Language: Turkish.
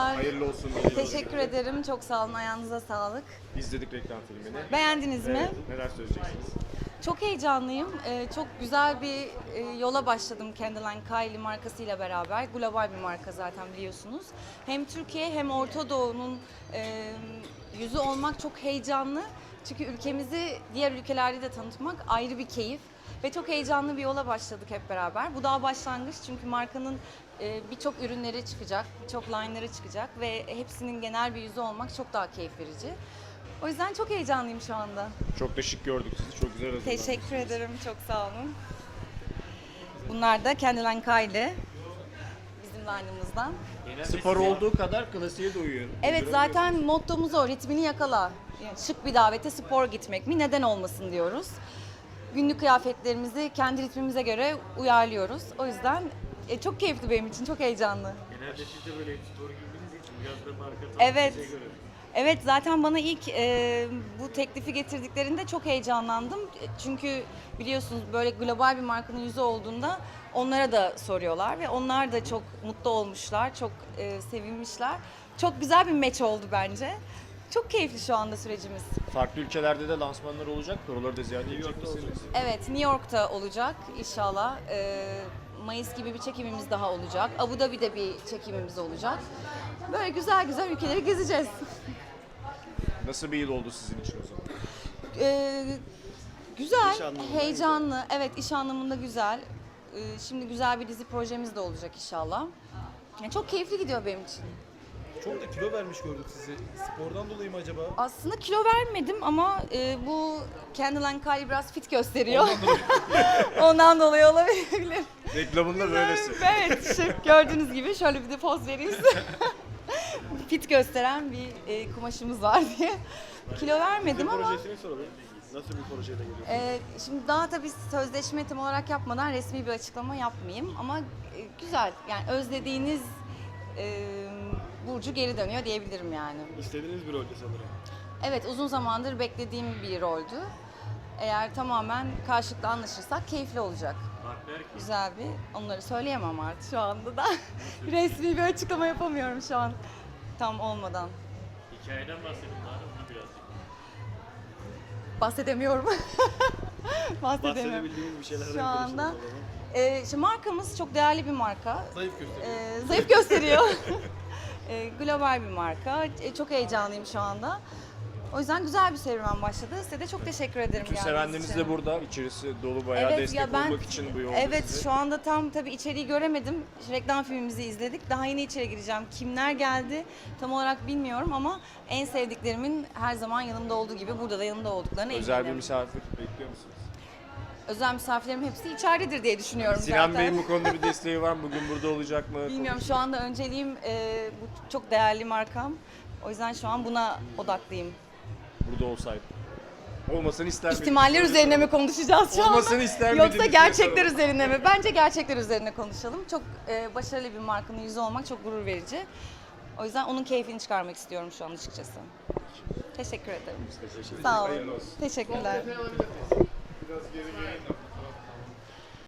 Merhabalar. Hayırlı olsun. Teşekkür ederim. Çok sağ olun. Ayağınıza sağlık. İzledik reklam filmini. Beğendiniz mi? Evet, neler söyleyeceksiniz? Çok heyecanlıyım. Çok güzel bir yola başladım Candyline Kylie markasıyla beraber. Global bir marka zaten biliyorsunuz. Hem Türkiye hem Orta Doğu'nun yüzü olmak çok heyecanlı. Çünkü ülkemizi diğer ülkelerde de tanıtmak ayrı bir keyif. Ve çok heyecanlı bir yola başladık hep beraber. Bu daha başlangıç çünkü markanın birçok ürünleri çıkacak, birçok line'ları çıkacak ve hepsinin genel bir yüzü olmak çok daha keyif verici. O yüzden çok heyecanlıyım şu anda. Çok da şık gördük sizi. Çok güzel hazırlandınız. Teşekkür ederim, çok sağ olun. Bunlar da Candyline Kylie, bizim line'ımızdan. Spor olduğu kadar klasiğe de uyuyor. Evet, zaten mottomuz o, ritmini yakala. Yani şık bir davete spor gitmek mi, neden olmasın diyoruz. Günlük kıyafetlerimizi kendi ritmimize göre uyarlıyoruz. O yüzden çok keyifli benim için, çok heyecanlı. Genelde siz de böyle spor giydiğiniz için biraz da marka Evet. size göre. Evet, zaten bana ilk bu teklifi getirdiklerinde çok heyecanlandım. Çünkü biliyorsunuz böyle global bir markanın yüzü olduğunda onlara da soruyorlar ve onlar da çok mutlu olmuşlar, çok sevinmişler. Çok güzel bir match oldu bence. Çok keyifli şu anda sürecimiz. Farklı ülkelerde de lansmanlar olacak. Oraları da ziyaret edecek misiniz? Evet, New York'ta olacak inşallah. Mayıs gibi bir çekimimiz daha olacak. Abu Dhabi'de bir çekimimiz olacak. Böyle güzel güzel ülkeleri gezeceğiz. Nasıl bir yıl oldu sizin için o zaman? Güzel, İş anlamında heyecanlı. Evet, iş anlamında güzel. Şimdi güzel bir dizi projemiz de olacak inşallah. Yani çok keyifli gidiyor benim için. Çok da kilo vermiş gördük sizi. Spordan dolayı mı acaba? Aslında kilo vermedim ama bu Candyline Kylie biraz fit gösteriyor. Ondan dolayı olabilir. Reklamında böylesi. Evet, şık gördüğünüz gibi şöyle bir de poz vereyim size. Fit gösteren bir kumaşımız var diye. Kilo vermedim ama Projesini soralım. Nasıl bir projeyle geliyorsunuz? şimdi daha tabii sözleşme tam olarak yapmadan resmi bir açıklama yapmayayım ama güzel. Yani özlediğiniz Burcu geri dönüyor diyebilirim yani. İstediğiniz bir rolde sanırım. Evet, uzun zamandır beklediğim bir roldü. Eğer tamamen karşılıklı anlaşırsak keyifli olacak. Partner ki. Güzel bir, onları söyleyemem artık şu anda da. Resmi bir açıklama yapamıyorum şu an tam olmadan. Hikayeden bahsedin bari onu birazcık. Bahsedemiyorum. Bahsedemiyorum. Bahsedebildiğiniz bir şeyler Şu anda işte markamız çok değerli bir marka. Zayıf gösteriyor. Zayıf gösteriyor. Global bir marka. Çok heyecanlıyım şu anda. O yüzden güzel bir serüven başladı. Size de çok teşekkür ederim. Bütün geldiğiniz sevenleriniz için. de burada. İçerisi dolu, bayağı destek olmak için bu yolda Evet, size. şu anda tam tabii içeriği göremedim. Reklam filmimizi izledik. Daha yeni içeri gireceğim. Kimler geldi tam olarak bilmiyorum ama en sevdiklerimin her zaman yanımda olduğu gibi burada da yanımda olduklarına Özel bir eminim. misafir bekliyor musunuz? Özel misafirlerim hepsi içeridedir diye düşünüyorum Sinan zaten. Bey'in bu konuda bir desteği var mı? Bugün burada olacak mı? Bilmiyorum, şu anda önceliğim bu çok değerli markam. O yüzden şu an buna odaklıyım. Burada olsaydı. Olmasını ister miydiniz? İhtimaller üzerine mi konuşacağız şu anda? Olmasını ister Yoksa miydiniz? gerçekler üzerine mi? Bence gerçekler üzerine konuşalım. Çok başarılı bir markanın yüzü olmak çok gurur verici. O yüzden onun keyfini çıkarmak istiyorum şu an açıkçası. Teşekkür ederim. Sağ olun. Hayırlı olsun. Teşekkürler. Biraz geri gelin.